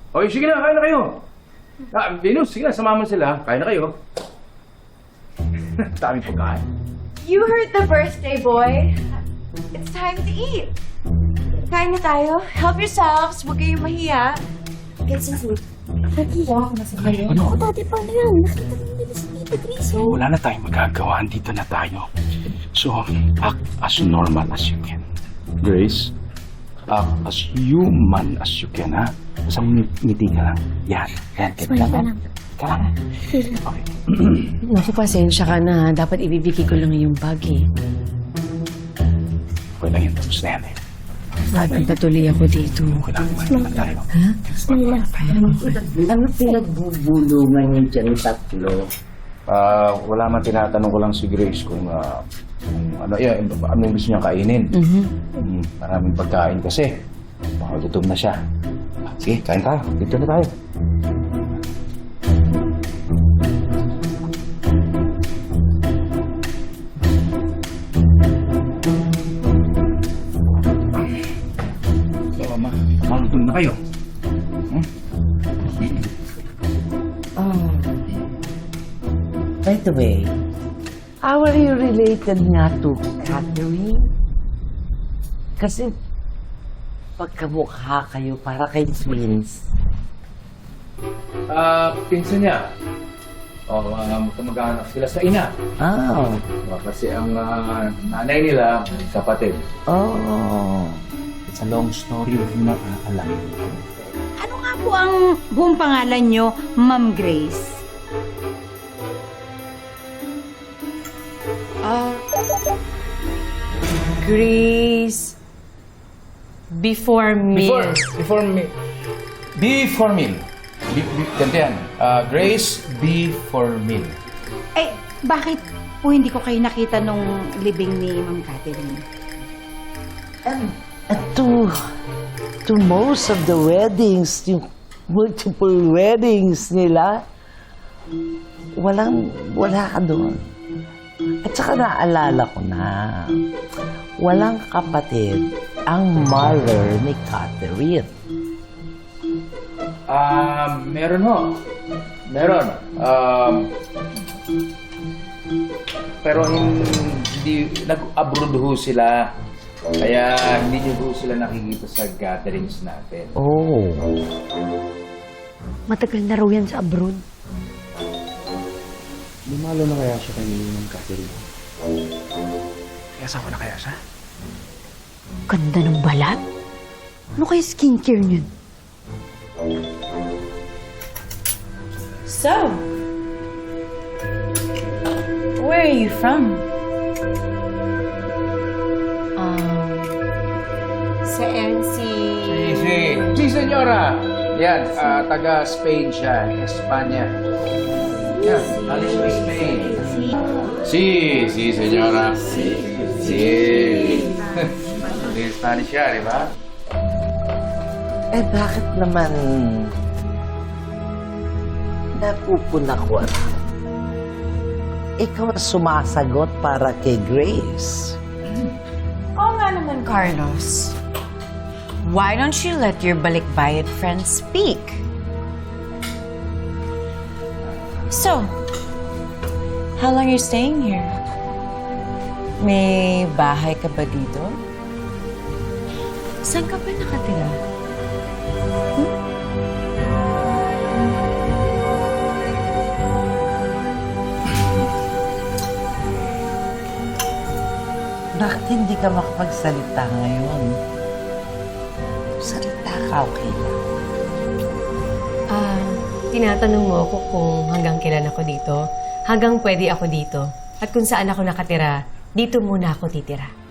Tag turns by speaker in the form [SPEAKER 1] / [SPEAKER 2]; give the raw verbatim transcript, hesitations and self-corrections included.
[SPEAKER 1] Okay, sige na, kain na kayo. Ah, Venus, sige na, samaman sila. Kain na kayo. Daming pagkain.
[SPEAKER 2] You heard the birthday boy. It's time to eat. Kain na tayo. Help yourselves. Huwag kayong mahiya. Get some food. Nahiya ako na sa kayo.
[SPEAKER 1] Ano?
[SPEAKER 2] Ako, dati pa na yan. Nakita mo nila si Tita Grace. oh.
[SPEAKER 1] Wala na tayong magagawa. Dito na tayo. So, act as normal as you can. Grace, act as human as you can, ha? Basta ngiti ka lang. Yan. Yan.
[SPEAKER 2] Smile ka lang.
[SPEAKER 1] Ka lang. Okay.
[SPEAKER 3] Naku, pasensya ka na. Dapat ibibigay ko lang yung bag eh.
[SPEAKER 1] Okay lang yan. Tapos na yan eh.
[SPEAKER 3] Nagpatuloy ako dito.
[SPEAKER 1] Okay lang. Kumain na tayo.
[SPEAKER 3] Ha?
[SPEAKER 2] Smile lang.
[SPEAKER 4] Ano pinagbubulungan niyo dyan tatlo?
[SPEAKER 1] Ah, wala man, tinatanong ko lang si Grace kung ah, kung ano, yan, ano yung gusto niyang kainin.
[SPEAKER 3] Mhm.
[SPEAKER 1] Mm, maraming pagkain kasi. Baka gutom na siya. Sige, kain tayo. Dito na tayo. So, ma, magutom na kayo. Hmm?
[SPEAKER 4] Oh. By the way, how are you related nga to Catherine? Kasi pagkamukha kayo para kay twins.
[SPEAKER 1] Ah, pinsan niya. Oh, uh, magkamag-anak sila sa ina.
[SPEAKER 4] Oh.
[SPEAKER 1] Uh, kasi ang ah, nanay nila, kapatid.
[SPEAKER 4] Oh.
[SPEAKER 1] It's a long story, hindi na alam.
[SPEAKER 2] Ano nga po ang buong pangalan nyo, Ma'am Grace?
[SPEAKER 3] Ah. Grace. Before meal.
[SPEAKER 1] Before, before meal. Before meal. Be, be, ganito yan. Ah, Grace, before meal.
[SPEAKER 2] Eh, bakit po hindi ko kayo nakita nung libing ni Ma'am Catherine?
[SPEAKER 4] And, and to, to most of the weddings, yung multiple weddings nila, walang, wala ka doon. At saka naalala ko na, walang kapatid ang mother ni Catherine.
[SPEAKER 1] Ah, meron ho. Meron. Um, pero hindi, nag-abroad ho sila. Kaya hindi nyo ho sila nakikita sa gatherings natin.
[SPEAKER 4] Oh.
[SPEAKER 3] Matagal na raw yan sa abroad.
[SPEAKER 1] Lumalo na kaya siya kay Ma'am Catherine? Kaya asawa na kaya siya?
[SPEAKER 3] Ganda ng balat. Ano kaya skincare niyan?
[SPEAKER 2] So, where are you from?
[SPEAKER 3] Um, sa N C...
[SPEAKER 1] Si, si, si senyora. Yan, ah, taga Spain siya, Espanya. Yan, alis sa Spain. Si, si senyora. Si, si. Hindi Spanish siya, di ba?
[SPEAKER 4] Eh, bakit naman napupuna ko? Ikaw ang sumasagot para kay Grace.
[SPEAKER 5] Oo nga naman, Carlos. Why don't you let your balikbayad friend speak? So, how long are you staying here? May bahay ka ba dito?
[SPEAKER 3] Saan ka ba nakatira?
[SPEAKER 4] Bakit hindi ka makapagsalita ngayon? Salita ka, okay lang.
[SPEAKER 6] Ah, tinatanong mo ako kung hanggang kailan ako dito, hanggang pwede ako dito, at kung saan ako nakatira, dito muna ako titira.